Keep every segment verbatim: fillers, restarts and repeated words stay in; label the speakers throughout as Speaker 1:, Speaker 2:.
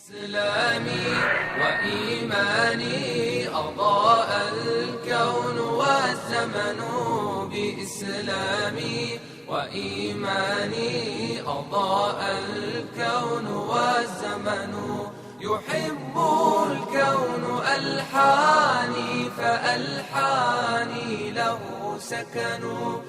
Speaker 1: إسلامي وإيماني أضاء الكون والزمن بإسلامي وإيماني أضاء الكون والزمن يحب الكون ألحاني فألحاني له سكن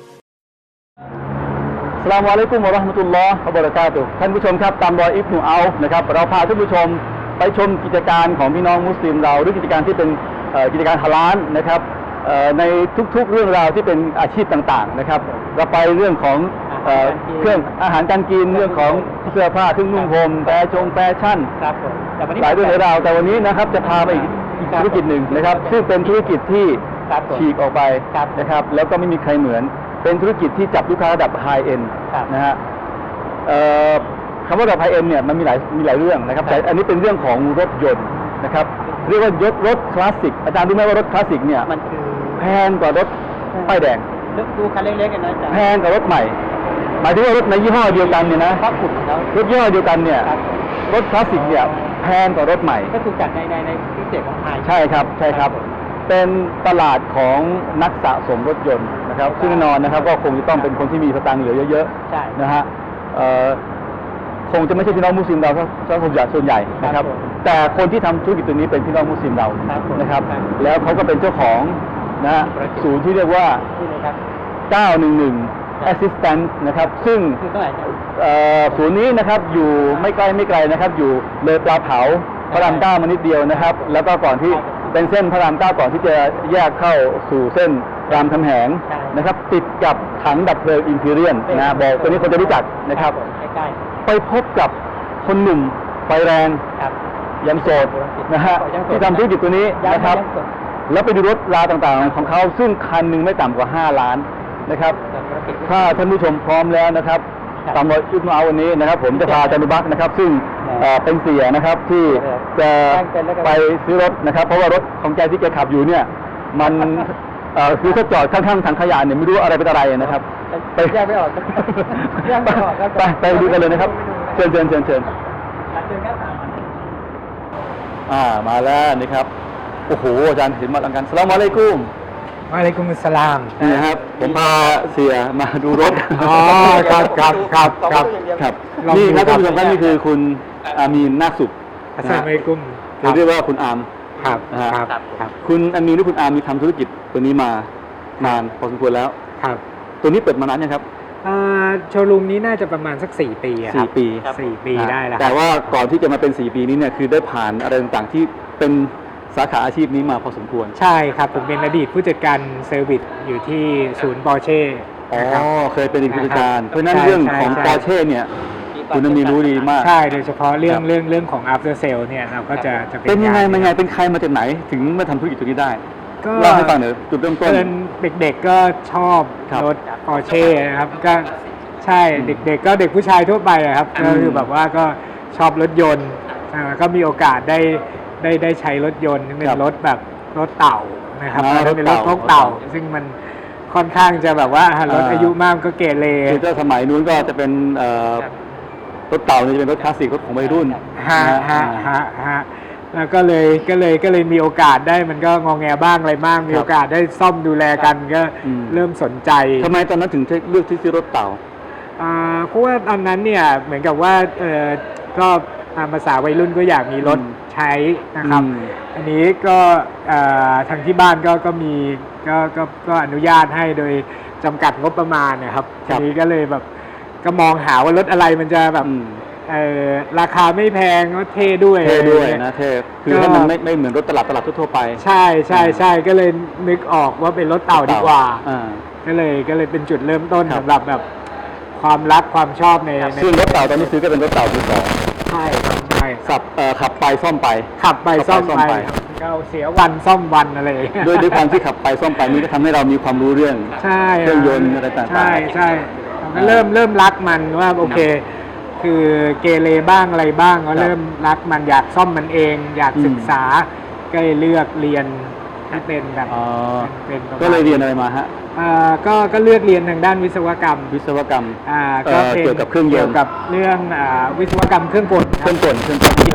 Speaker 2: อัสสลามุอะลัยกุมวะเราะห์มะตุลลอฮ์วะบะเราะกาตุฮ์ท่านผู้ชมครับตามรอยอิบนุอัลฟนะครับเราพาท่านผู้ชมไปชมกิจการของพี่น้องมุสลิมเราหรือกิจการที่เป็นกิจการฮาลาลนะครับในทุกๆเรื่องราวที่เป็นอาชีพต่างๆนะครับเราไปเรื่องของเครื่องอาหารการกินเรื่องของเสื้อผ้าเครื่องนุ่งห่มแฟชั่นแฟชั่นหลายเรื่องหลายราวแต่วันนี้นะครับจะพาไปอีกธุรกิจหนึ่งนะครับซึ่งเป็นธุรกิจที่ฉีกออกไปนะครับแล้วก็ไม่มีใครเหมือนเป็นธุรกิจที่จับลูกค้าระดับไฮเอ็นนะฮะคำว่าระดับไฮเอ็นเนี่ยมันมีหลายมีหลายเรื่องนะครับแต่อันนี้เป็นเรื่องของรถยนต์นะครับเรียกว่ายศรถคลาสสิกอาจารย์รู้ไหมว่ารถคลาสสิกเนี่ยมันคือแพงกว่ารถป้ายแดง
Speaker 3: ดูคันเล็กๆกันนะ
Speaker 2: แพงกว่ารถใหม่หมายถึงว่ารถในยี่ห้อเดียวกันเนี่ยนะรถยี่ห้อเดียวกันเนี่ยรถคลาสสิกเนี่ยแพงกว่ารถใหม่
Speaker 3: ก็ถูกจัดในในในพิเศษของไทย
Speaker 2: ใช่ครับใช่ครับเป็นตลาดของนักสะสมรถยนต์นะครับซึ่งแน่นอนนะครับก็คงจะต้องเป็นคนที่มีสตางค์เหลือเยอะๆนะฮะคงจะไม่ใช่พี่น้องมุสลิมเราถ้าส่วนใหญ่ส่วนใหญ่นะครับแต่คนที่ทำธุรกิจตัวนี้เป็นพี่น้องมุสลิมเรานะครับแล้วเขาก็เป็นเจ้าของนะฮะศูนย์ที่เรียกว่าเก้าหนึ่งหนึ่ง Assistance นะครับซึ่งศูนย์นี้นะครับอยู่ไม่ไกลไม่ไกลนะครับอยู่เลยปลาเผาพระรามเก้ามานิดเดียวนะครับแล้วก็ก่อนที่เป็นเส้นพระรามเก้าก่อนที่จะแยกเข้าสู่เส้นรามคำแหงนะครับติดกับถังดับเพลิงอิมพีเรียนนะบอกตัวนี้คนจะรู้จักนะครับไปพบกับคนหนุ่มไฟแรงยังโสดนะฮะที่ทำธุรกิจตัวนี้นะครับแล้วไปดูรถราต่างๆของเขาซึ่งคันหนึ่งไม่ต่ำกว่าห้าล้านนะครับถ้าท่านผู้ชมพร้อมแล้วนะครับตามรอยอิบนุอัลวันนี้นะครับผมจะพาอาจารย์นุบักนะครับซึ่งเป็นเสียนะครับที่จะไปซื้อรถนะครับเพราะว่ารถของแกที่แกขับอยู่เนี่ยมันคือถ้าจอดข้างๆถังขยะเนี่ยไม่รู้อะไรเป็นอะไรนะครับ
Speaker 3: ไปแยกไม่ออกแยกไม่ออก
Speaker 2: ไปไปดูกันเลยนะครับเชิญเชิญเชิญเชิญอ่ามาแล้วนี่ครับโอ้โหอาจารย์เห็นมาลังกันสลามอะลัยกุม
Speaker 3: วะอะลัยกุมุสสลาม
Speaker 2: นี่ครับผมพาเสียมาดูรถ
Speaker 3: อ๋อครับครับครับครับ
Speaker 2: ครับนี่ครับท่านผู้ชมครับนี่คือคุณอามีนนาคสุข
Speaker 3: อัสสลามุอะลัยกุม
Speaker 2: เรียกว่าคุณอาม
Speaker 3: ครับครับครับ
Speaker 2: คุณอามีนหรือคุณอามมีทำธุรกิจตัวนี้มานานพอสมควรแล้ว
Speaker 3: ครับ
Speaker 2: ตัวนี้เปิดมานานยังครับ
Speaker 3: โชว์รูมนี้น่าจะประมาณสักสี่ปีครับ
Speaker 2: สี่ปี
Speaker 3: สี่ปีได้แล้ว
Speaker 2: แต่ว่าก่อนที่จะมาเป็นสี่ปีนี้เนี่ยคือได้ผ่านอะไรต่างๆที่เป็นสาขาอาชีพนี้มาพอสมควร
Speaker 3: ใช่ครับผมเป็นอดีตผู้จัดการเซอร์วิสอยู่ที่ศูนย์ปอร์เช่
Speaker 2: อ๋อเคยเป็นผู้จัดการเพราะนั้นเรื่องของปอร์เช่เนี่ยคุณมีรู้ดีมาก
Speaker 3: ใช่โดยเฉพาะเรื่องเรื่องเรื่องของ after sale เนี่ยเราก็จะจะ
Speaker 2: เป็นยังไงมันไงเป็นใครมาจากไหนถึงมาทำธุรกิจตัวนี้ได้เล่าให้ฟังหน่อยจุดเริ่มต้น
Speaker 3: เด็กๆก็ชอบรถปอร์เช่นะครับก็ใช่เด็กๆก็เด็กผู้ชายทั่วไปครับก็คือแบบว่าก็ชอบรถยนต์ก็มีโอกาสได้ได้ได้ใช้รถยนต์เป็นรถแบบรถเต่านะครับเป็นรถพกเต่าซึ่งมันค่อนข้างจะแบบว่ารถอายุมากก็เกเร
Speaker 2: คือถ้าสมัยนู้นก็จะเป็นรถเต่านี่จะเป็นรถคลาสสิกรถของวัยรุ่น
Speaker 3: ฮะฮะฮะฮะแล้วก็เลยก็เลยก็เลยมีโอกาสได้มันก็งอแงบ้างอะไรบ้างมีโอกาสได้ซ่อมดูแลกันก็เริ่มสนใจ
Speaker 2: ทำไมตอนนั้นถึงเลือกที่ซื้อรถเต่า
Speaker 3: เพราะว่าตอนนั้นเนี่ยเหมือนกับว่าก็ตามภาษาวัยรุ่นก็อยากมีรถใช้นะครับอันนี้ก็ทางที่บ้านก็ก็มีก็ก็ก็อนุญาตให้โดยจำกัดงบประมาณนะครับทีนี้ก็เลยแบบก็มองหาว่ารถอะไรมันจะแบบราคาไม่แพงก็เท่ด้วย
Speaker 2: เท่ด้วยนะเท่คือให้มันไม่ไม่เหมือนรถตลาดตลาดทั่วไป
Speaker 3: ใช่ใช่ใช่ก็เลยนึกออกว่าเป็นรถเต่าดีกว่าก็เลยก็เลยเป็นจุดเริ่มต้นสำหรับแบบความรักความชอบใน
Speaker 2: ซึ่งรถเต่าตอนนี้ซื้อก็เป็นรถเต่ามือสอง
Speaker 3: ใช่ใช่
Speaker 2: ขับขับไปซ่อมไป
Speaker 3: ขับไปซ่อมไปก็เสียวันซ่อมวันอะไร
Speaker 2: ด้วยด้วยความที่ขับไปซ่อมไปนี่ก็ทำให้เรามีความรู้เรื่องเครื่องยนต์อะไรต่างๆ
Speaker 3: ใช่ใช่ก็เริ่มเริ่มรักมันว่าโอเคคือเกเรบ้างอะไรบ้างก็เริ่มรักมันอยากซ่อมมันเองอยากศึกษาก็เลยเลือกเรียนที่เป็นแบบ
Speaker 2: เป็นก็เลยเรียนอะไรมาฮะ
Speaker 3: ก็ก็เลือกเรียนทางด้านวิศวกรรม
Speaker 2: วิศวกรรม
Speaker 3: ก็
Speaker 2: เกี่ยวกับเครื่องยนต์
Speaker 3: เกี่ยวกับเรื่องวิศวกรรมเครื่องกล
Speaker 2: เครื่องกลเครื่องกล
Speaker 3: พวกเค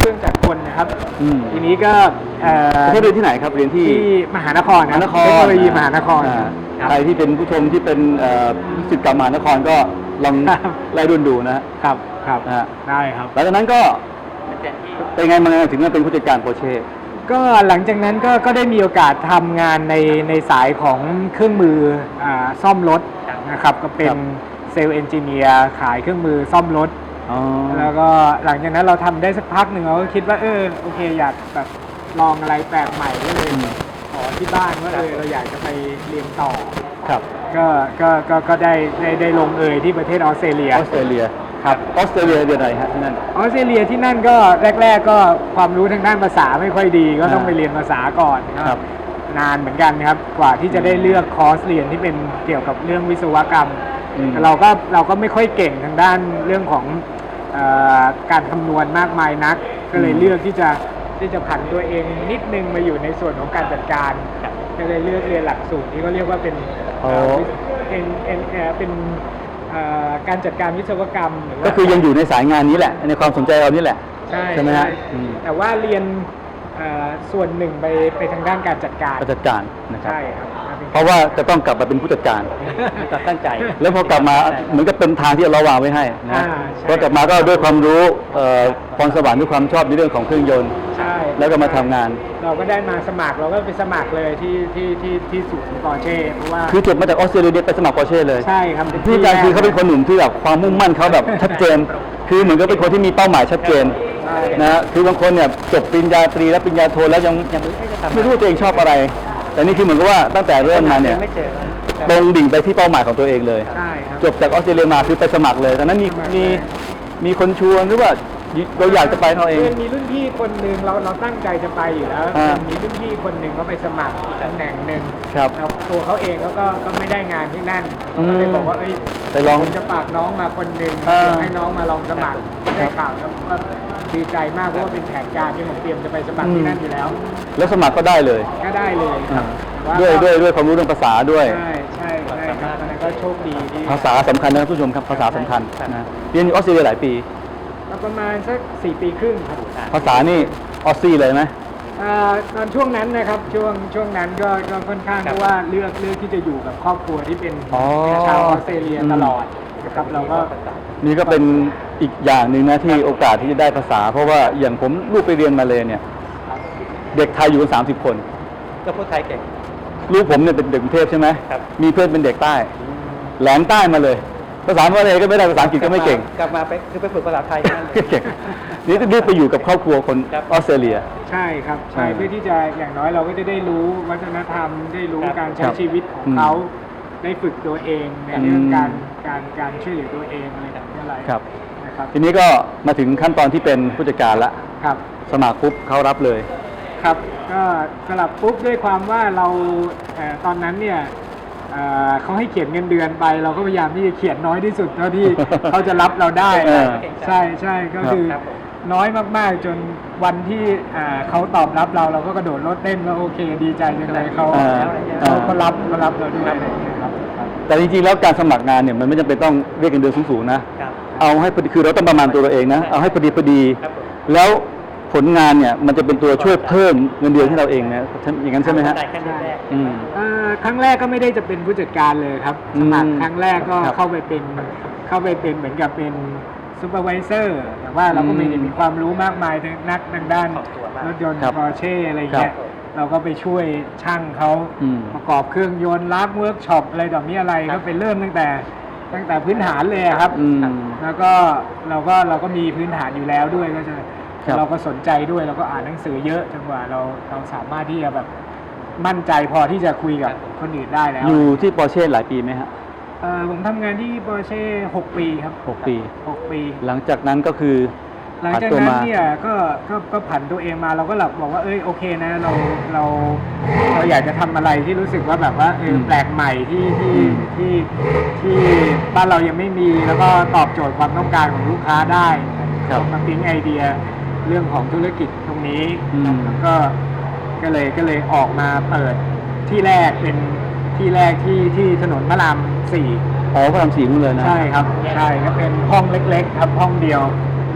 Speaker 3: รื่องจักรกลนะครับ
Speaker 2: อืม
Speaker 3: ทีนี้ก็เอ่อ
Speaker 2: เขาเรียนที่ไหนครับเรียนที่
Speaker 3: ที่มหานคร
Speaker 2: มหานคร
Speaker 3: เทคโนโลยีมหานคร
Speaker 2: อ่า
Speaker 3: ครับ
Speaker 2: ใครที่เป็นผู้ชมที่เป็นเอ่อศิษย์เก่ามหานครก็ลอง
Speaker 3: ครับ
Speaker 2: ไล่รุ่นดูนะฮะ
Speaker 3: ครับครับ
Speaker 2: นะฮะ
Speaker 3: ได้ครับ
Speaker 2: หลังจากนั้นก็เป็นไงมาไงถึงมาเป็นผู้จัดการโปรเช่
Speaker 3: ก็หลังจากนั้นก็ก็ได้มีโอกาสทำงานในในสายของเครื่องมืออ่าซ่อมรถนะครับก็เป็นเซลล์เอนจิเนียร์ขายเครื่องมือซ่อมรถ
Speaker 2: อ๋อ
Speaker 3: แล้วก็หลังจากนั้นเราทำได้สักพักหนึ่งเราก็คิดว่าเออโอเคอยากแบบลองอะไรแปลกใหม่ก็เลยขอที่บ้านว่าเออเราอยากจะไปเรียนต่อ
Speaker 2: ครับ
Speaker 3: ก็ก็ก็ก็ได้ได้ได้ลงเอยที่ประเทศออสเตรเลีย
Speaker 2: ออสเตรเลีย
Speaker 3: ครับ
Speaker 2: ออสเตรเลียเดือนอะไรฮะที่นั่น
Speaker 3: ออสเตรเลียที่นั่นก็แรก ๆ ก็ความรู้ทางด้านภาษาไม่ค่อยดี ก็ต้อง
Speaker 2: อ่า
Speaker 3: ไปเรียนภาษาก่อน
Speaker 2: ครับ
Speaker 3: นานเหมือนกันครับกว่าที่จะได้เลือกคอร์สเรียนที่เป็นเกี่ยวกับเรื่องวิศวกรรม
Speaker 2: อืม
Speaker 3: เราก็เราก็ไม่ค่อยเก่งทางด้านเรื่องของเออการคำนวณมากมายนัก ก็เลยเลือกที่จะที่จะผันตัวเองนิดนึงมาอยู่ในส่วนของการจัดการก็เลยเลือกเรียนหลักสูตรที่เขาเรียกว่าเป็น
Speaker 2: โอ้
Speaker 3: เอ่อเป็นเป็นเอ่อเป็นเอ่อการจัดการวิศวกรรมหรือว่า
Speaker 2: ก็คือยังอยู่ในสายงานนี้แหละ ในความสนใจเรานี่แหละ
Speaker 3: ใช่
Speaker 2: ใช่ไหมฮะ
Speaker 3: ใช่
Speaker 2: อืม
Speaker 3: แต่ว่าเรียนเอ่อส่วนหนึ่งไปไปทางด้านการจัดการ
Speaker 2: ผู้จัดการนะครับ
Speaker 3: ใช่ครับ
Speaker 2: เพราะว่าจะต้องกลับมาเป็นผู้จัดการ
Speaker 3: ตั้งใจ
Speaker 2: แล้วพอกลับมาเหมือนกับเป็นทางที่เราวางไว้ให้นะ
Speaker 3: อ่าใช่
Speaker 2: พอกลับมาก็ด้วยความรู้เอ่อพรสวรรค์ด้วยความชอบในเรื่องของเครื่องยนต์
Speaker 3: ใช่
Speaker 2: แล้วก็มาทำงาน
Speaker 3: เราก็ได้มาสมัครเราก็ไปสมัครเลยที่ที่ที่ที่ศูนย์ปอร์เช่เพราะว่า
Speaker 2: คือจบมาจากออสเตรเลียไปสมัครปอร์เช่เลย
Speaker 3: ใช่ครับ
Speaker 2: พี่อาจารย์คือเขาเป็นคนหนุ่มที่แบบความมุ่งมั่นเขาแบบชัดเจน คือเหมือนกับเป็นคนที่มีเป้าหมายชัดเจน
Speaker 3: ใช่
Speaker 2: นะฮะคือบางคนเนี่ยจบปริญญาตรีและปริญญาโทแล้วยังยังไม่รู้ว่าตัวเองชอบอะไร แต่นี่คือเหมือนกับว่าตั้งแต่เริ่มมาเนี่ยตรงดิ่งไปที่เป้าหมายของตัวเองเลย
Speaker 3: ใช่ครับ
Speaker 2: จบจากออสเตรเลียมาคือไปสมัครเลยตอนนั้นมีมีมีคนชวนหรือว่าเราอยากจะไปเราเอง
Speaker 3: คือมีรุ่นพี่คนหนึ่งเราเราตั้งใจจะไปอยู่แล้ว
Speaker 2: อ่า
Speaker 3: มีรุ่นพี่คนหนึ่งเขาไปสมัครอีกตำแหน่งหนึ่ง
Speaker 2: ครับ
Speaker 3: แล้วตัวเขาเองเขาก็ก็ไม่ได้งานที่นั่น
Speaker 2: อืม
Speaker 3: ก็เลยบอกว่าเอ้ย
Speaker 2: ไปลอง
Speaker 3: ผมจะฝากน้องมาคนหนึ่ง
Speaker 2: อ่า
Speaker 3: เดี๋ยวให้น้องมาลองสมัครได้ข่าวแล้วก็ดีใจมากเพราะว่าเป็นแผนการที่ผมเตรียมจะไปสมัครที่นั่นอยู่แล้ว
Speaker 2: แล้วสมัครก็ได้เลย
Speaker 3: ก็ได้เลยครับแต่า
Speaker 2: ด้วยด้วยด้วยความรู้เรื่องภาษาด้วย
Speaker 3: ใช่ใช่ใช่ครับอันนั้นก็โชคดีที่
Speaker 2: ภาษาสำคัญนะครับผู้ชมครับภาษาสำคัญนะเรียนอยู่ออสเตรเลียหลายปี
Speaker 3: ประมาณสักสี่ปีครึ่งครับ
Speaker 2: ภาษานี่ออสซี่เลยไหม
Speaker 3: อ่าตอนช่วงนั้นนะครับช่วงช่วงนั้นก็ก็ค่อนข้างเพราะว่าเลือกเลือกที่จะอยู่กับครอบครัวที่เป็น
Speaker 2: อ๋อ
Speaker 3: ชาวออสเตรเลียตลอดนะครับเราก็
Speaker 2: นี่ก็เป็นอีกอย่างหนึ่งนะที่โอกาสที่จะได้ภาษา เพราะว่าอย่างผมลูกไปเรียนมาเลยเนี่ย เด็กไทยอยู่กันสามสิบคน
Speaker 4: ก็พูดไทยเก่ง
Speaker 2: ลูกผมเนี่ยเป็นเด็กกรุงเทพใช่ไหม
Speaker 4: ครับ
Speaker 2: มีเพื่อนเป็นเด็กใต้ แหลมใต้มาเลย ภาษาอะไรก็ไม่ได้ภาษาอังกฤษก็ไม่เก่ง
Speaker 4: กลับมาไปคือไปฝึกภาษาไทยนั่นเลย
Speaker 2: เก่งนี่จะรีบไปอยู่กับครอบครัวคน
Speaker 4: ครับ
Speaker 2: ออสเตรเลีย
Speaker 3: ใช่ครับใช่
Speaker 2: อ่า
Speaker 3: เพื่อที่จะอย่างน้อยเราก็จะได้รู้วัฒนธรรมได้รู้
Speaker 4: ครับ
Speaker 3: การใช้
Speaker 2: ครับ
Speaker 3: ชีวิตของ
Speaker 2: อืม
Speaker 3: เขาได้ฝึกตัวเองใน
Speaker 2: ครับ
Speaker 3: เรื่อง
Speaker 2: อืม
Speaker 3: การการการช่วยเหลือตัวเองอะไรแบบนี้อะไร
Speaker 2: ครับ
Speaker 3: นะครับ
Speaker 2: ทีนี้ก็มาถึงขั้นตอนที่เป็นผู้จัดการละ
Speaker 3: ครับ
Speaker 2: สมัครปุ๊บเขารับเลย
Speaker 3: ครับก็สลับปุ๊บด้วยความว่าเราเอ่อตอนนั้นเนี่ยเอ่อเขาให้เขียนเงินเดือนไป เราก็พยายามที่จะเขียนน้อยที่สุดเท่าที่ เขาจะรับเราได้
Speaker 2: เออ
Speaker 3: ใช่ใช่ก็คือ
Speaker 4: ครับผม
Speaker 3: น้อยมากๆจนวันที่อ่าเขาตอบรับเราเราก็กระโดดรถเต้นว่าโอเคดีใจจังเลยเขา
Speaker 2: อ่า
Speaker 3: เขาเขารับเขารับเราด้วยอะไรอย่างเงี้ยครับครับ
Speaker 2: แต่จริงๆแล้วการสมัครงานเนี่ยมันไม่จำเป็นต้องเรียกเงินเดือนสูงๆนะ
Speaker 4: ครับ
Speaker 2: เอาให้พอดีคือเราต้องประมาณตัวเราเองนะ เอาให้พอดีพอดี
Speaker 4: ครับผม
Speaker 2: แล้วผลงานเนี่ยมันจะเป็นตัวช่วยเพิ่มเงินเดือนให้เราเองนะอย่างนั้นใช่ไหมฮะ
Speaker 4: ด้แค่แรกๆ
Speaker 2: อืม
Speaker 3: เอ่อครั้งแรกก็ไม่ได้จะเป็นผู้จัดการเลยครับ
Speaker 2: อื
Speaker 3: ส
Speaker 2: ม
Speaker 3: มัครครั้งแรกก็
Speaker 2: ครับ
Speaker 3: เข้าไปเป็นเข้าไปเป็นเหมือนกับเป็นซูเปอร์วิเซอร์แต่ว่าเราก็ไม่ได้
Speaker 2: อืม
Speaker 3: มีความรู้มากมายทางนักทางด้าน
Speaker 4: ขอบตัวมาก
Speaker 3: รถยนต์
Speaker 2: ครับ
Speaker 3: ปอร์เช่อะไรเงี้ย
Speaker 2: ครับ
Speaker 3: เราก็ไปช่วยช่างเขา
Speaker 2: อืม
Speaker 3: ประกอบเครื่องยนต์ล้างเวิร์กช็อปอะไรแบบนี้อะไร
Speaker 4: ครั
Speaker 3: ก็
Speaker 4: บ
Speaker 3: ไปเริ่มตั้งแต่ตั้งแต่พื้นฐานเลยอะครับ
Speaker 2: อืม
Speaker 3: แล้วก็เราก็เราก็มีพื้นฐานอยู่แล้วด้วยก็จะ
Speaker 2: ครับ
Speaker 3: เราก็สนใจด้วยเราก็อ่านหนังสือเยอะจนกว่าเราเราสามารถที่จะแบบมั่นใจพอที่จะคุยกับคนอื่นได้แล้ว
Speaker 2: อยู่ที่ปอร์เช่หลายปีไหมฮะ
Speaker 3: เอ่อผมทำงานที่ปอร์เช่หกปีครับ
Speaker 2: หกปี
Speaker 3: หกปี
Speaker 2: หลังจากนั้นก็คือ
Speaker 3: หลัง
Speaker 2: ผัน
Speaker 3: จาก
Speaker 2: ตัว
Speaker 3: นั้น
Speaker 2: มา
Speaker 3: เนี่ยก็ก็ก็ผันตัวเองมาเราก็หลับบอกว่าเอ้ยโอเคนะเราเราเราอยากจะทำอะไรที่รู้สึกว่าแบบว่าเออ
Speaker 2: ม
Speaker 3: แปลกใหม่ที่ที่
Speaker 2: อืม
Speaker 3: ที่ที่บ้านเรายังไม่มีแล้วก็ตอบโจทย์ความต้องการของลูกค้าได้
Speaker 2: ครับ
Speaker 3: มาปิ๊งไอเดียเรื่องของธุรกิจตรงนี้
Speaker 2: อืม
Speaker 3: แล้วก็ก็เลยก็เลยออกมาเปิดที่แรกเป็นที่แรกที่ที่ถนนพระรามสี่
Speaker 2: อ๋อพระรามสี่นู่นเลยนะ
Speaker 3: ใช่ครับใช่ก็เป็นห้องเล็กๆครับห้องเดียว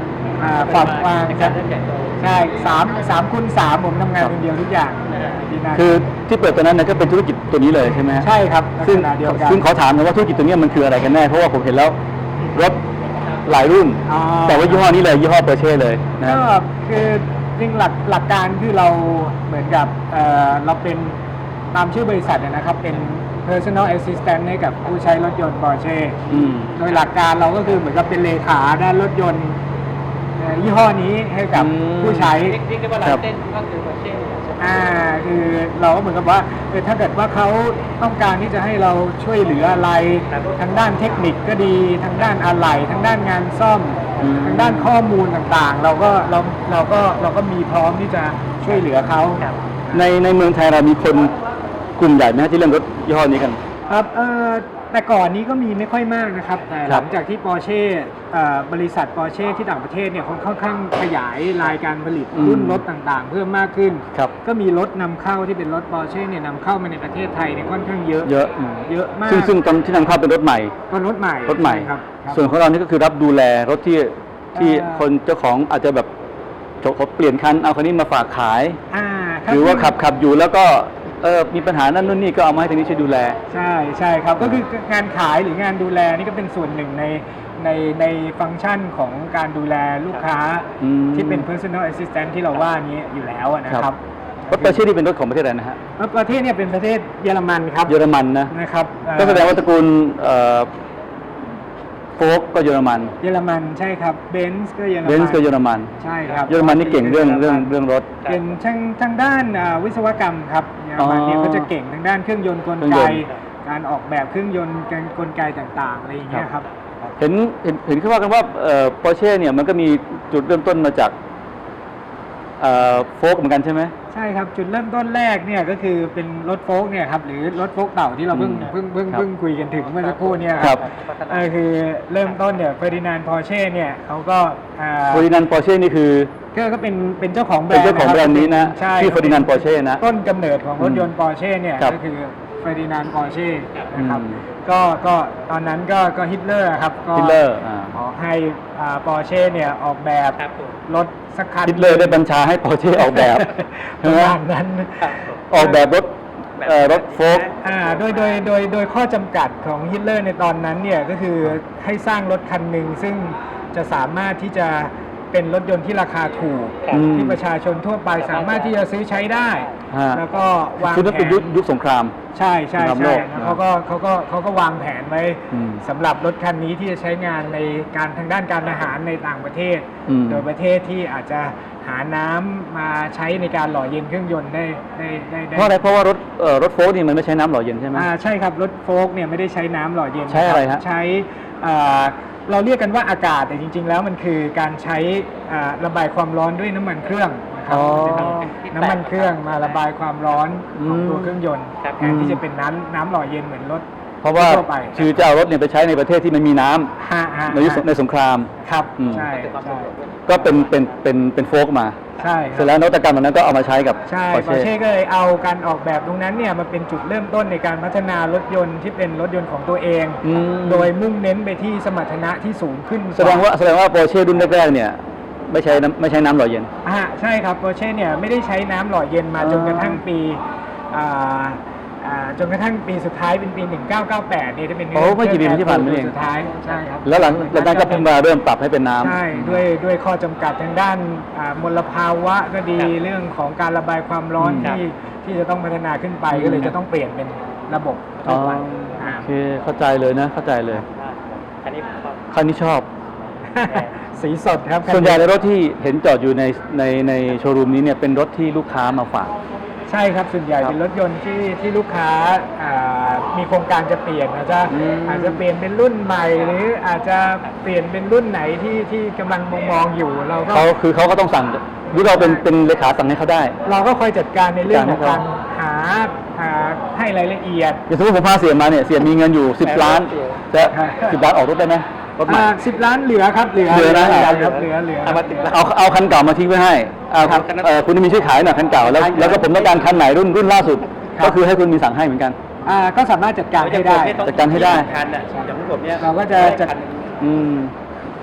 Speaker 3: อ่าความกว้าง
Speaker 4: ในการเล่นใหญ่โต
Speaker 3: ใช่สามสามคูณสามผมทำงานคนเดียวทุกอย่างที่นั่น
Speaker 2: คือที่เปิดตัวนั้นนะก็เป็นธุรกิจตัวนี้เลยใช่ไหมฮะ
Speaker 3: ใช่ครับลัก
Speaker 2: ซึ่ง
Speaker 3: ษณะเดียวกัน
Speaker 2: ซึ่งขอถามหนะว่าธุรกิจตัวนี้มันคืออะไรกันแน่เพราะว่าผมเห็นแล้วรถหลายรุ่น
Speaker 3: อ๋อ
Speaker 2: แต่ว่ายี่ห้อนี้เลยยี่ห้อเปอร์เช่เลยนะ
Speaker 3: ก็
Speaker 2: ฮะ
Speaker 3: คือจริงหลักหลักการคือเราเหมือนกับเอ่อเราเป็นตามชื่อบริษัทเนยนะครับเป็น personal assistant ให้กับผู้ใช้รถยนต์ Porsche
Speaker 2: อืม
Speaker 3: โดยหลักการเราก็คือเหมือนกับเป็นเลขาด้านรถยนต์เอ่อยี่ห้อนี้ให้กับ
Speaker 2: อืม
Speaker 3: ผู้ใช้
Speaker 4: เรียกได้ว่าลายเส้นก็คือโปรเช่ใช่ไหม
Speaker 3: อ่าคือเราก็เหมือนกับว่าเออถ้าเกิดว่าเขาต้องการที่จะให้เราช่วยเหลืออะไรทางด้านเทคนิคก็ดีทางด้านอะไหล่ทางด้านงานซ่อม
Speaker 2: อืม
Speaker 3: ทางด้านข้อมูลต่างๆ เราก็เราเราก็เราก็มีพร้อมที่จะช่วยเหลือเขา
Speaker 2: ในในเมืองไทยเรามีคนกลุ่มใหญ่ไหมฮะที่เล่นรถยี่ห้อนี้กัน
Speaker 3: ครับเอ่อแต่ก่อนนี้ก็มีไม่ค่อยมากนะครับ แต่
Speaker 2: ค
Speaker 3: ห
Speaker 2: รั
Speaker 3: ลั
Speaker 2: บ
Speaker 3: งจากที่ปอร์เช่บริษัทปอร์เช่ที่ต่างประเทศเนี่ยเขาค่อนข้างขยายรายการผลิตรุ่นรถต่างๆ เพิ่มมากขึ้น
Speaker 2: ครับ
Speaker 3: ก็มีรถนำเข้าที่เป็นรถปอร์เช่เนี่ยนำเข้ามาในประเทศไทยเนี่ยค่อนข้างเยอะ
Speaker 2: เยอะอืม
Speaker 3: เยอะมาก
Speaker 2: ซึ่งซึ่งตอนที่นำเข้าเป็นรถใหม่
Speaker 3: ก็รถใหม่
Speaker 2: รถใหม่
Speaker 3: ใช่ครับครับ
Speaker 2: ส่วนของเรานี่ก็คือรับดูแลรถที่ที่
Speaker 3: เอ่อ
Speaker 2: คนเจ้าของอาจจะแบบเขาเปลี่ยนคันเอาคันนี้มาฝากขาย
Speaker 3: อ่า
Speaker 2: หรือว่าขับขับอยู่แล้วก็เออมีปัญหานั่นนู่นนี่ก็เอามาให้ทางนี้ช่วยดูแล
Speaker 3: ใช่ใช่ครับก็คืองานขายหรืองานดูแลนี่ก็เป็นส่วนหนึ่งในในในฟังก์ชันของการดูแลลูกค้า
Speaker 2: อืม
Speaker 3: ที่เป็น personal assistant ที่เราว่านี้อยู่แล้วอะนะครับ
Speaker 2: รถเปอร์เช่นี่เป็นรถของประเทศอะไรนะฮะ
Speaker 3: แล้วประเทศเนี่ยเป็นประเทศเยอรมันครับ
Speaker 2: เยอรมันนะ
Speaker 3: นะครับเอ่อ
Speaker 2: ก็แสดงว่าตระกูลเอ่อโฟล์กก็เยอรมัน
Speaker 3: เยอรมันใช่ครับเบนซ์ก็เยอรมัน
Speaker 2: เบนซ์ก็เยอรมัน
Speaker 3: ใช่ครับ
Speaker 2: เยอรมันนี่เก่งเรื่องเรื่องเรื่องรถ
Speaker 3: เป็นทางทางด้านอ่าวิศวกรรมครับเยอรมันเนี่ย
Speaker 2: อ๋อ
Speaker 3: ก็จะเก่งทางด้านเครื่องยนต์กล
Speaker 2: เครื่อง
Speaker 3: ไก
Speaker 2: ยนต์
Speaker 3: การออกแบบเครื่องยนต์การกลไกต่างๆอะไรอย่างเงี้ยครับ
Speaker 2: เห็นเห็นเห็นเขาว่ากันว่าเอ่อปอร์เช่เนี่ยมันก็มีจุดเริ่มต้นมาจากเอ่อโฟล์กเหมือนกันใช่ไหม
Speaker 3: ใช่ครับจุดเริ่มต้นแรกเนี่ยก็คือเป็นรถโฟล์กเนี่ยครับหรือรถโฟล์กเต่าที่เราเพิ่ง
Speaker 2: อืม
Speaker 3: เพิ่งเพิ่ง
Speaker 2: ครับ
Speaker 3: เพิ่งคุยกันถึงเมื่อสักครู่เนี่ย
Speaker 2: ครับ
Speaker 3: เออคือเริ่มต้นเนี่ยเฟอร์ดินานด์พอร์เช่เนี่ยเขาก็อ่า
Speaker 2: เฟอร์ดินานด์ปอร์เช่นี่คือ
Speaker 3: ก็ก็เป็นเป็นเจ้าของแบร
Speaker 2: เป็น
Speaker 3: นด์
Speaker 2: เจ้าของแบรนด์นี้นะ
Speaker 3: ใช่
Speaker 2: ชื่อเฟอร์ดินานด์ปอร์เช่นะ
Speaker 3: ต้นกำเนิดของรถยนต์ปอร์เช่เนี่ย
Speaker 2: ครับ
Speaker 3: ก็คือเฟอร์ดินานด์ปอร์เช่นะครับ
Speaker 2: อืม
Speaker 3: ก็ก็ตอนนั้นก็ก็ฮิตเลอร์ครับก็
Speaker 2: ฮิตเลอร์อ่า
Speaker 3: ขอให้ปอร์เช่เนี่ยออกแบบ
Speaker 4: ครับผม
Speaker 3: รถสักคัน
Speaker 2: ฮิตเลอร์ได้บัญชาให้ปอร์เช่ออกแบบ
Speaker 3: ป
Speaker 2: ใช่
Speaker 3: ระ
Speaker 2: ไหม
Speaker 3: มาณนั้น
Speaker 2: ออกแบบรถเอ่อรถโฟล์ก
Speaker 3: อ่าโดยโดยโดยโดยข้อจำกัดของฮิตเลอร์ในตอนนั้นเนี่ยก็คือให้สร้างรถคันหนึ่งซึ่งจะสามารถที่จะเป็นรถยนต์ที่ราคาถูก
Speaker 2: อืม
Speaker 3: ที่ประชาชนทั่วไปสามารถที่จะซื้อใช้ได้
Speaker 2: ฮะ
Speaker 3: แล้วก็วาง
Speaker 2: คือนั่น
Speaker 3: แผ
Speaker 2: เป็น
Speaker 3: น
Speaker 2: ยุคยุคสงคราม
Speaker 3: ใช่ใช่
Speaker 2: สงครามโล
Speaker 3: ใช่
Speaker 2: ก
Speaker 3: แล้วเขาก็เขาก็เขาก็วางแผนไว้
Speaker 2: อืม
Speaker 3: สำหรับรถคันนี้ที่จะใช้งานในการทางด้านการทหารในต่างประเทศ
Speaker 2: อืม
Speaker 3: โดยประเทศที่อาจจะหาน้ำมาใช้ในการหล่อเย็นเครื่องยนต์ได้ได้ได้ได้
Speaker 2: เพราะอะไรเพราะว่ารถเอ่อรถโฟล์กนี่มันไม่ใช้น้ำหล่อเย็นใช่ไหม
Speaker 3: อ่าใช่ครับรถโฟล์กเนี่ยไม่ได้ใช้น้ำหล่อเย็น
Speaker 2: ใช้อะไร
Speaker 3: คบ
Speaker 2: ฮะ
Speaker 3: ใช้อ่าเราเรียกกันว่าอากาศแต่จริง ๆ แล้วมันคือการใช้อ่าระบายความร้อนด้วยน้ำมันเครื่องนะครับ
Speaker 2: อ๋อ
Speaker 3: น้ำมันเครื่องมาระบายความร้อนของ
Speaker 2: อืม
Speaker 3: ตัวเครื่องยนต์
Speaker 4: ครับ
Speaker 3: แทนที่จะเป็นน้ำน้ำหล่อเย็นเหมือนรถ
Speaker 2: เพราะว่า
Speaker 3: ทั่วไป
Speaker 2: คือจะเอารถเนี่ยไปใช้ในประเทศที่มันมีน้ำ
Speaker 3: ฮะฮะ
Speaker 2: ในยุคในสงคราม
Speaker 3: ครับ
Speaker 2: อืม
Speaker 3: ใช่ใช่
Speaker 2: ก็เป็นเป็นเป็นเป็นโฟล์กมา
Speaker 3: ใช่ค
Speaker 2: เสร็
Speaker 3: รั
Speaker 2: จ
Speaker 3: บ
Speaker 2: แล้วนวัตกรรมเหล่านั้นก็เอามาใช้กับ
Speaker 3: ใช่
Speaker 2: ปอร์
Speaker 3: ปอร์
Speaker 2: เช่
Speaker 3: เช่ก็เลยเอาการออกแบบตรงนั้นเนี่ยมาเป็นจุดเริ่มต้นในการพัฒนารถยนต์ที่เป็นรถยนต์ของตัวเอง
Speaker 2: อืม
Speaker 3: โดยมุ่งเน้นไปที่สมรรถนะที่สูงขึ้น
Speaker 2: แสดงว่าแสดงว่าปอร์เช่รุ่นแรกๆเนี่ยไม่ใช้น้ำไม่ใช้น้ำหล่อเย็น
Speaker 3: อ่าใช่ครับปอร์เช่เนี่ยไม่ได้ใช้น้ำหล่อเย็นมา
Speaker 2: อ๋อ
Speaker 3: จนกระทั่งปีอ่าอ่าจนกระทั่งปีสุดท้ายเป็นปี หนึ่งเก้าเก้าแปดเนี่ยจะเป็น
Speaker 2: โอ้ไม่กี่ปีที่ผ่านมาเอง
Speaker 3: สุดท้ายใช่ครับ
Speaker 2: แล้วหลังหลังจากนั้นก็เพิ่งมาเริ่มปรับให้เป็นน้ำ
Speaker 3: ใช่ด้วยด้วยข้อจำกัดทางด้านอ่ามลภาวะก็ดีเรื่องของการระบายความร้อน
Speaker 2: อืม
Speaker 3: ที่ที่จะต้องพัฒนาขึ้นไป
Speaker 2: อืม
Speaker 3: ก็เลยจะต้องเปลี่ยนเป็นระบบ
Speaker 2: อ๋
Speaker 3: ทั่
Speaker 2: อ
Speaker 3: วไป
Speaker 2: โอ
Speaker 3: อ่า
Speaker 2: เคเข้าใจเลยนะเข้าใจเลย
Speaker 4: อันนี้ผมชอบ
Speaker 2: คันนี้ชอบ
Speaker 3: สีสดครับ
Speaker 2: ส่วนใหญ่ในรถที่เห็นจอดอยู่ในในในโชว์รูมนี้เนี่ยเป็นรถที่ลูกค้ามาฝาก
Speaker 3: ใช่ครับส่วนใหญ่
Speaker 2: ครับ
Speaker 3: เป็นรถยนต์ที่ที่ลูกค้าอ่ามีโครงการจะเปลี่ยนอาจจะ
Speaker 2: อืม
Speaker 3: อาจจะเปลี่ยนเป็นรุ่นใหม่ หรืออาจจะเปลี่ยนเป็นรุ่นไหนที่ที่กำลังมองมองๆอยู่เราก็
Speaker 2: เขาคือเขาก็ต้องสั่งหรือเราเป็นเป็นเลขาสั่งให้เขาได้
Speaker 3: เราก็คอยจัดการในเรื่องของ
Speaker 2: จัดการ
Speaker 3: การหาหาให้รายละเอียด
Speaker 2: อย่างสมมติผมพาเสียมาเนี่ยเสียมีเงินอยู่สิบล้านจะสิบล้านออกรถได้ไหมรถใหม่
Speaker 3: สิบล้านเหลือครับเหลือ
Speaker 2: เหลือนะ
Speaker 3: ครับเหลือเหลือ
Speaker 4: เอามาติดแล้ว
Speaker 2: เอาเอาคันเก่ามาทิ้งไว้ให้เอา
Speaker 3: ครับ
Speaker 2: เอ่อคุณมีช่วยขายหน่อยคันเก่าแล้วแล้วก็ผมต้องการคันไหนรุ่นรุ่นล่าสุด
Speaker 3: ครับ
Speaker 2: ก็คือให้คุณมีสั่งให้เหมือนกัน
Speaker 3: อ่าก็สามารถจัดการให้ได้
Speaker 2: จัดการให้ได้
Speaker 4: คันอ่ะอย่างพวกผมเนี่ย
Speaker 3: เราก็จะจัด
Speaker 4: คันหนึ่ง
Speaker 2: อืม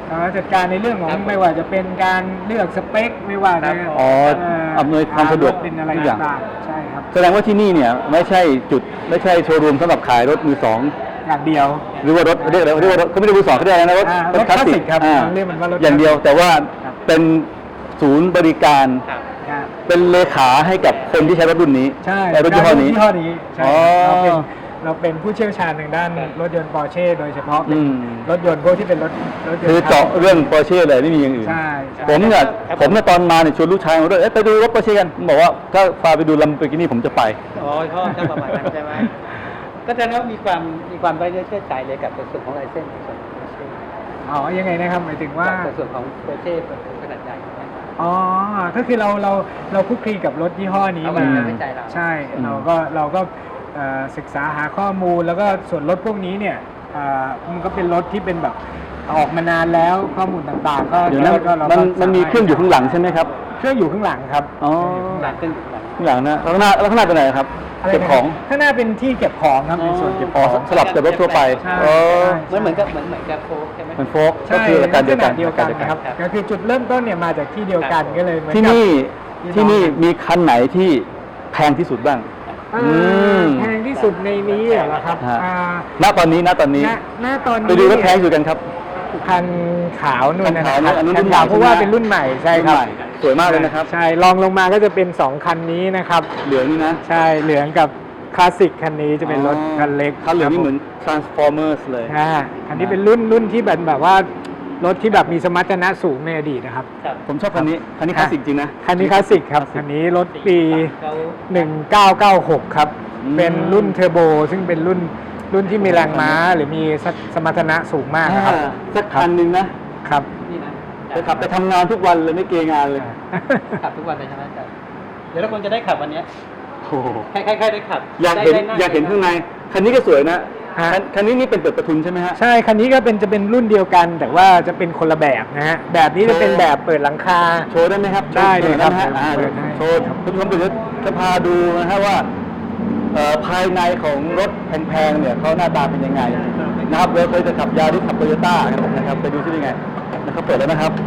Speaker 3: เอ่อจัดการในเรื่องของไม่ว่าจะเป็นการเลือกสเปคไม่ว่าจะ
Speaker 2: อ๋อ
Speaker 3: เ
Speaker 2: อำนวยความสะดวก
Speaker 3: เป็นอะไร
Speaker 2: ทุกอย่าง
Speaker 3: ต่างๆใช่ครับ
Speaker 2: แสดงว่าที่นี่เนี่ยไม่ใช่จุดไม่ใช่โชว์รูมสำหรับขายรถมือสอง
Speaker 3: อย่างเดียว
Speaker 2: หรือว่ารถเรียกอะไรเรียกว่ารถเขาไม่ได้มือสองเขาเรียกอะไรนะรถ
Speaker 3: อ่ารถคลาสสิกครับ
Speaker 2: อ่า
Speaker 3: เรียกมันว่ารถ
Speaker 2: อย่างเดียว
Speaker 3: คลาสสิก
Speaker 2: แต่ว่าเป็นศูนย์บริการ
Speaker 4: ครับ
Speaker 3: ครับ
Speaker 2: เป็นเลขาให้กับคนที่ใช้รถรุ่นนี้
Speaker 3: ใช่
Speaker 2: รถยี่ห้อนี้
Speaker 3: ยี่ห้อนี้ใช่
Speaker 2: อ๋อ
Speaker 3: เราเป็นเราเป็นผู้เชี่ยวชาญทางด้านรถยนต์ปอร์เช่โดยเฉพาะเป็น
Speaker 2: อืม
Speaker 3: รถยนต์พวกที่เป็นรถรถยนต์
Speaker 2: คือเจาะเรื่องปอร์เช่เลยไม่มีอย่างอื่น
Speaker 3: ใช่ใช่
Speaker 2: ผมเนี่ยผมเนี่ยตอนมาเนี่ยชวนลูกชายมาด้วยเอ๊ะไปดูรถปอร์เช่กันผมบอกว่าถ้าพาไปดูลัมโบกินี่ผมจะไป
Speaker 4: อ๋อเขาจะประมาณนั้นใช่ไหมก็แสดงว่ามีความมีความไว้เนื้อเชื่อใจเลยกับในส่วนของลายเส้นในส่วนของโปรเช่
Speaker 3: อ๋อยังไงนะครับหมายถึงว่า
Speaker 4: ในส่วนของโปรเช่ขนาดใหญ่นะครับ
Speaker 3: อ๋อ ก็คือเราเราเราคลุกคลีกับรถยี่ห้อนี้
Speaker 4: เอา
Speaker 3: มา
Speaker 4: มาไว้ใจเรา
Speaker 3: ใช่
Speaker 2: อืม
Speaker 3: เราก็เราก็เอ่อศึกษาหาข้อมูลแล้วก็ส่วนรถพวกนี้เนี่ยเอ่อมันก็เป็นรถที่เป็นแบบออกมานานแล้วข้อมูลต่างๆ ก็
Speaker 2: เดี๋ยวนะ
Speaker 3: ก็เรา
Speaker 2: มัน
Speaker 3: ก็
Speaker 2: มันมีเครื่องอยู่ข้างหลังใช่ไหมครับ
Speaker 3: เครื่องอยู่ข้างหลังครับ
Speaker 2: อ๋อ
Speaker 4: หลังขึ้นหลัง
Speaker 2: ข้างหลังนะแล้วข้างหน้าแล้วข้างหน้าเป็นอะไรครับ
Speaker 3: อะไร
Speaker 2: เก็บ
Speaker 3: นะ
Speaker 2: ของ
Speaker 3: ข้างหน้าเป็นที่เก็บของครับเป็นส่วนเก็บ
Speaker 2: อ๋
Speaker 3: ข
Speaker 2: อ
Speaker 3: อง
Speaker 2: สลับกับรถทั่วไป
Speaker 3: ใช่
Speaker 2: อ๋อ
Speaker 4: เหมือนเหมือนกับเหมือนเหมือนกับโฟกใช่ไหม
Speaker 2: มันโฟกก็
Speaker 3: ใช่
Speaker 2: คืออาการเดียวกัน
Speaker 3: ลัษณะเดียวกันนะครับ
Speaker 4: ครับ
Speaker 3: ก็คือจุดเริ่มต้นเนี่ยมาจากที่เดียวกันก็เลยเหมือน
Speaker 2: ที่
Speaker 3: กับ
Speaker 2: นี่
Speaker 3: พี่
Speaker 2: ที่นี่
Speaker 3: น้องกัน
Speaker 2: มีคันไหนที่แพงที่สุดบ้าง
Speaker 3: อ่า
Speaker 2: อืม
Speaker 3: แพงที่สุดในนี้เหรอครับ
Speaker 2: ฮะ
Speaker 3: อ่า
Speaker 2: ณตอนนี้ณตอนนี้
Speaker 3: ณณตอนนี้
Speaker 2: ไปดูรถแพงสุดกันครับ
Speaker 3: คันขาวนู่นนะ
Speaker 2: คั
Speaker 3: คน รับ
Speaker 2: ขาวนู่นอันนู้น
Speaker 3: คั
Speaker 2: รุ่
Speaker 3: น
Speaker 2: นใหม่
Speaker 3: ขาวเพราะว่า
Speaker 2: ใช่ไหม
Speaker 3: เป็นรุ่นใหม่ใช่ครับ
Speaker 2: รุ่นใหม่สวยมากเลยนะครับ
Speaker 3: ใช่รองลงมาก็จะเป็นสองคันนี้นะครับ
Speaker 2: เหลืองนี่นะ
Speaker 3: ใช่เหลืองกับคลาสสิกคันนี้จะเป็นรถคันเล็ก
Speaker 2: คันเหลืองนี่
Speaker 3: ครับ
Speaker 2: เหมือน Transformers เลย
Speaker 3: อ่าอันนี้เป็นรุ่นรุ่นที่แบบแบบว่ารถที่แบบมีสมรรถนะสูงในอดีตนะครับ
Speaker 4: ครับ
Speaker 2: ผมชอบคันนี้ คันนี้คลาสสิกจริงนะ
Speaker 3: คันนี้คลาสสิกครับคันนี้รถปี
Speaker 4: เขา
Speaker 3: หนึ่งเก้าเก้าหกครับ
Speaker 2: อืม
Speaker 3: เป็นรุ่นเทอร์โบซึ่งเป็นรุ่นรุ่นที่มีแรงม้าหรือมีสมรรถนะสูงมากนะครับ
Speaker 2: อ่าสักคันหนึ่งนะ
Speaker 3: ครับ
Speaker 4: นี่นะ
Speaker 2: จะขับไปทำงานทุกวันเลยไม่เกรงงานเลย
Speaker 4: ขับทุกวันเลยใช่ไหมอาจารย์เดี๋ยวเราคงจะได้ขับวันเนี้ย
Speaker 2: โอ้โห
Speaker 4: ใครๆๆได้ขับ
Speaker 2: อยากเห็น
Speaker 4: ได้ได้ง
Speaker 2: อยากเห็นข้างใน คันนี้ก็สวยนะ
Speaker 3: ฮะ
Speaker 2: คันคันนี้นี่เป็นเปิดประทุนใช่ไหมฮะ
Speaker 3: ใช่คันนี้ก็เป็นจะเป็นรุ่นเดียวกัน แต่ว่าจะเป็นคนละแบบนะฮะแบบนี้จะเป็นแบบเปิดหลังคา
Speaker 2: โชว์ได้ไหมครับ
Speaker 3: ได้เลยครับ
Speaker 2: โชว์ได้ไหมฮะอ่า
Speaker 3: เปิดได้
Speaker 2: โชว์คุณผู้ชมเดี๋ยวจะพาดูนะฮะว่าเอ่อภายในของรถแพงๆเนี่ยเขาหน้าตาเป็นยังไงนะครับเราเคยจะขับยาริสขับโตโยต้านะครับไปดูซิเป็นยังไงนะครับเปิดแล้วนะครับ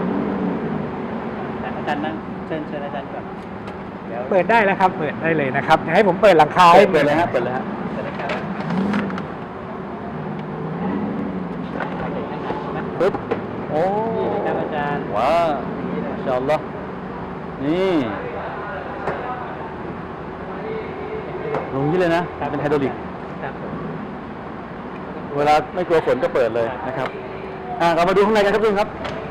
Speaker 4: อาจารย์นั่งเชิญเชิญอาจารย์ก่อนเดี๋ยว
Speaker 3: เปิดได้แล้วครับ เปิดได้เลยนะครับเดี๋ยวให้ผมเปิดหลังคาให้
Speaker 2: เปิดเลยฮะเปิดเลยฮะ
Speaker 4: จะได้ครับโอเคงั้นนะใช่ไหม
Speaker 2: ปึ๊บโอ้
Speaker 4: นี่ครับอาจารย์
Speaker 2: ว้าวอินชาอัลลอฮ์นี่ลงนี้เลยนะเป็นไฮดรอลิก
Speaker 4: ครับผม
Speaker 2: เวลาไม่กลัวฝนก็เปิดเลยนะครับ อ่าเรามาดูข้างในกันครับทุกท่านครับ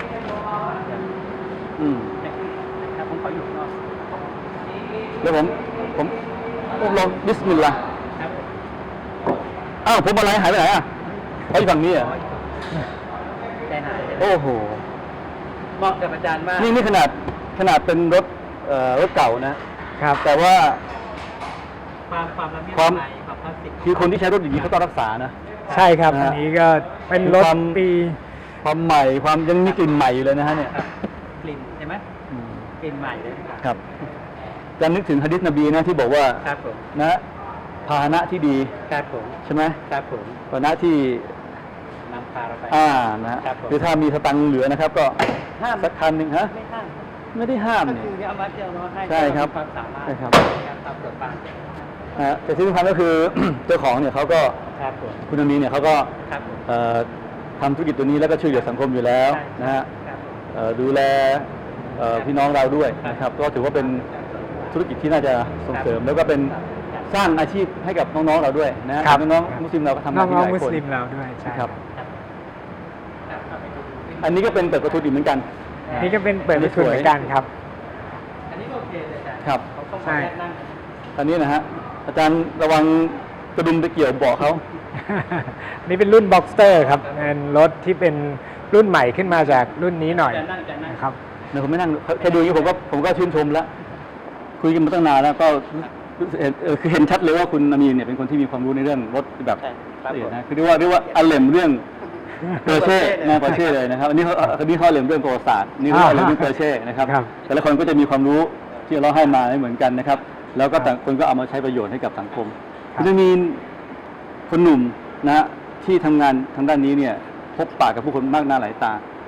Speaker 2: อืม
Speaker 4: ครับผมขออยู่ข้างนอก
Speaker 2: เดี๋ยวผม ผมผมลองบิสมิลลาห์
Speaker 4: ครับ
Speaker 2: อ้าวผมอะไรหายไปไหนอ่ะเขาอยู่ฝั่งนี้เหรอ่ะ
Speaker 4: ใจหายเลย
Speaker 2: โอ้โห
Speaker 4: เหมาะกับอาจารย์มาก
Speaker 2: นี่นี่ขนาดขนาดเป็นรถเอ่อรถเก่านะ
Speaker 3: ครับ
Speaker 2: แต่ว่า
Speaker 4: ความความละเมียด
Speaker 2: ความ
Speaker 4: ละไมความคลาสสิก
Speaker 2: คือคนที่ใช้รถอย่างนี้เขาต้องรักษานะ
Speaker 3: ใช่ครับ
Speaker 2: นะฮะ
Speaker 3: อันนี้ก็เป็นรถ
Speaker 2: ความ
Speaker 3: ปี
Speaker 2: ความใหม่ความยังมีกลิ่นใหม่อยู่เลยนะฮะเนี่ย
Speaker 4: ครับกลิ่นใช่ไหม
Speaker 2: อืม
Speaker 4: กลิ่นใหม่เลย
Speaker 2: ครับจะนึกถึงหะดีษนบีนะที่บอกว่า
Speaker 4: ครับผม
Speaker 2: นะพาหนะที่ดี
Speaker 4: ครับผม
Speaker 2: ใช่ไหม
Speaker 4: ครับผม
Speaker 2: พาหนะที่
Speaker 4: นำพาเราไป
Speaker 2: อ่านะฮะ
Speaker 4: ครับผม
Speaker 2: หรือถ้ามีสตังค์เหลือนะครับ ก็
Speaker 4: ห้าม
Speaker 2: สักคันหนึ่งฮะ
Speaker 4: ไม่ห้าม
Speaker 2: ไม่ได้ห้าม
Speaker 4: ก็
Speaker 2: เนี่ย
Speaker 4: คือเอามาเที่ยวเนาะให้
Speaker 2: ใช่ครับ
Speaker 4: เามีความสามารถ
Speaker 2: ใช่ครับ
Speaker 4: ในการทำเปิดบ้าน
Speaker 2: นะฮะแต่ที่สำคัญก็คือ เจ้าของเนี่ยเขาก็
Speaker 4: ครับผม
Speaker 2: คุณอามีเนี่ยเขาก็
Speaker 4: ครับผม
Speaker 2: เอ่อทำธุรกิจตัวนี้แล้วก็ช่วยเหลือสังคมอยู่แล้ว
Speaker 4: ใช่
Speaker 2: นะฮะ
Speaker 4: ครับผม
Speaker 2: เอ่อดูแลเอ่อพี่น้องเราด้วยนะครับ ก็ถือว่าเป็นธุรกิจที่น่าจะส่งเสริม แล้วก็เป็นสร้างอาชีพให้กับน้องๆเราด้วยนะฮะ
Speaker 3: ครับ
Speaker 2: น้องๆมุสลิมเราก็ทำ
Speaker 3: น้
Speaker 2: งานที่ห
Speaker 3: อง
Speaker 2: ลาย
Speaker 3: ๆมุ
Speaker 2: ค
Speaker 3: ส
Speaker 2: น
Speaker 3: ลิมเราด้วยใช่
Speaker 2: ครับ
Speaker 4: ครับครับ
Speaker 2: อันนี้ก็เป็นเปิดประตูอีกเหมือนกัน
Speaker 3: นี่ก็เป็นเปิดประทุนเหมือนกันครับ
Speaker 4: อันนี้ก็โอเคเลยอาจารย์
Speaker 2: ครับ
Speaker 4: เขาต้อง
Speaker 3: ใช่
Speaker 4: ขอแยกนั่ง
Speaker 2: อันนี้นะฮะอาจารย์ระวังกระดุมไปเกี่ยวเบาะเขา
Speaker 3: นี่เป็นรุ่น Boxster ครับเป็นรถที่เป็นรุ่นใหม่ขึ้นมาจากรุ่นนี้หน่อย
Speaker 4: จะนั่งจะนั่ง
Speaker 3: นะครับ
Speaker 2: เดี๋ยวผมไม่นั่งแค่ดูอย่างนี้ผมก็ผมก็ชื่นชมแล้วคุยกันมาตั้งนานแล้วก็รู้สึกเห็นเออคือเห็นชัดเลยว่าคุณอามีนเนี่ยเป็นคนที่มีความรู้ในเรื่องรถแบบ
Speaker 4: ใช่ครับ
Speaker 2: ละเอีย
Speaker 4: ผ
Speaker 2: ด
Speaker 4: ม
Speaker 2: นะคือเรียกว่าเรียกว่าอัลเลมเรื่องเปอร์เช่นะเปอร์เช่เลยนะครับอันนี้เขาอันนี้เขาอัลเลมเรื่องประวัติศาสตร์นี่เรื่องอัลเลมเรื่องเปอร์เช่นะครับ
Speaker 3: ครับ
Speaker 2: แต่ละคนก็จะมีความรู้ที่เราให้มาไม่เหมือนกันนะครับ แล้วก็ต่างคนก็เอามาใช้ประโยชน์ให้กับสังคมคุณอามีนคนหนุ่มนะฮะที่ทำงานทางด้านนี้เนี่ยพบปะกับผู้คนมากหน้าหลายตา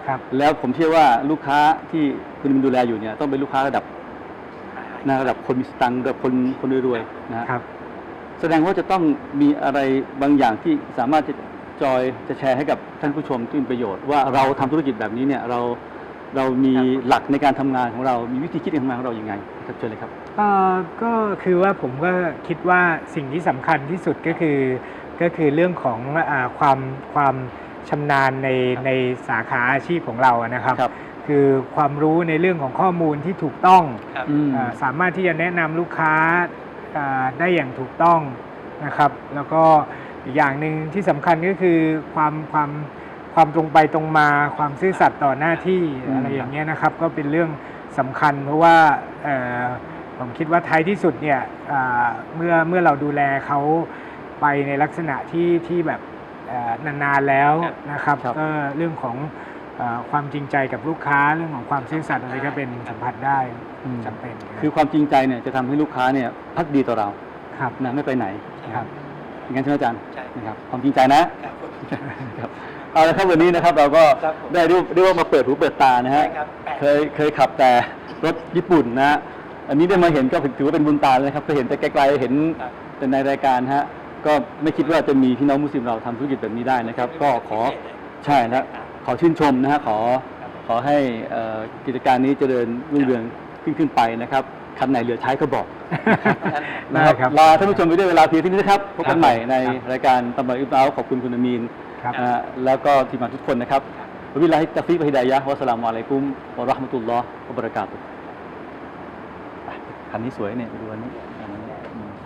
Speaker 3: ครับ
Speaker 2: แล้วผมเชื่อว่าลูกค้าที่คุณมินดูแลอยู่เนี่ยต้องเป็นลูกค้าระดับนะระดับคนมีสตังค์ระดับคนคนรวยๆนะฮะ
Speaker 3: ครับ
Speaker 2: แสดงว่าจะต้องมีอะไรบางอย่างที่สามารถจะจอยจะแชร์ให้กับท่านผู้ชมที่มีประโยชน์ว่าเราทำธุรกิจแบบนี้เนี่ยเราเรามีหลักในการทำงานของเรามีวิธีคิดการทำงานของเราอย่างไงครับเชิญเลยครับ
Speaker 3: เอ่อก็คือว่าผมก็คิดว่าสิ่งที่สำคัญที่สุดก็คือก็คือเรื่องของอาความความชำนาญในในสาขาอาชีพของเราอะนะครับ
Speaker 2: ครับ
Speaker 3: คือความรู้ในเรื่องของข้อมูลที่ถูกต้อง
Speaker 4: ครับ
Speaker 2: อืม
Speaker 3: อ่าสามารถที่จะแนะนำลูกค้าอ่าได้อย่างถูกต้องนะครับ แล้วก็อีกอย่างหนึ่งที่สำคัญก็คือความความความตรงไปตรงมาความซื่อสัตย์ต่อหน้าที่
Speaker 2: อืม
Speaker 3: อะไรอย่างเงี้ยนะครับ ก็เป็นเรื่องสำคัญ เพราะว่าเอ่อผมคิดว่าท้ายที่สุดเนี่ยอ่าเมื่อเมื่อเราดูแลเขาไปในลักษณะที่ที่แบบเอ่อนานๆแล้วนะครับ
Speaker 2: ครับ
Speaker 3: ก็เรื่องของเอ่อความจริงใจกับลูกค้าเรื่องของความซื่อสัตย์อะไรก็เป็นสัมผัสได้
Speaker 2: อืม
Speaker 3: จำเป็น
Speaker 2: คือความจริงใจเนี่ยจะทำให้ลูกค้าเนี่ยพักดีต่อเรา
Speaker 3: ครับ
Speaker 2: นะไม่ไปไหน
Speaker 3: ครับ
Speaker 2: อย่างนั้นใช่ไหมอาจารย์
Speaker 4: ใช่
Speaker 2: นะครับความจริงใจนะครับ ครับเอาละครับวันนี้นะครับเราก็
Speaker 4: ครับผม
Speaker 2: ได้เรียกเรียกว่ามาเปิดหูเปิดตานะฮะ
Speaker 4: ใช่ครับแปด
Speaker 2: เคยเคยขับแต่รถญี่ปุ่นนะฮะอันนี้ได้มาเห็นก็ถือว่าเป็นบุญตาเลยนะครับเคยเห็นแต่ไกลๆเห็น
Speaker 4: ครับ
Speaker 2: แต่ในรายการฮะก็ไม่คิดว่าจะมีพี่น้องมุสลิมเราทำธุรกิจแบบนี้ได้นะครับ ก็ขอใช่นะขอชื่นชมนะฮะขอขอให้เอ่อกิจการนี้เจริญรุ่งเรืองขึ้นขึ้นไปนะครับคันไหนเหลือใช้ก็บอก
Speaker 3: ได้ครับ
Speaker 2: ลาท่านผู้ชมไปด้วยเวลาเพียงเท่านี้นะครับพบกันใหม่ในรายการตำรวจอิบราขอบคุณคุณอามีน
Speaker 3: ครับ
Speaker 2: นะฮะแล้วก็ทีมงานทุกคนนะครับวะบิลลาฮิตตะฟีกวะฮิดายะฮ์วะสลามุอะลัยกุมวะเราะห์มะตุลลอฮ์วะบะเราะกาตุฮ์อ่ะคันนี้สวยเนี่ยไปดูอันนี้อันนี้อืม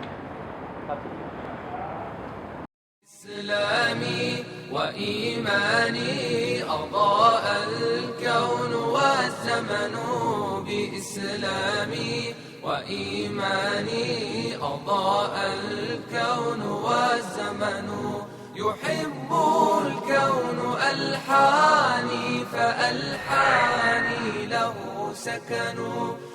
Speaker 1: إسلامي وإيماني أضاء الكون والزمن بإسلامي وإيماني أضاء الكون والزمن يحب الكون ألحاني فألحاني له سكن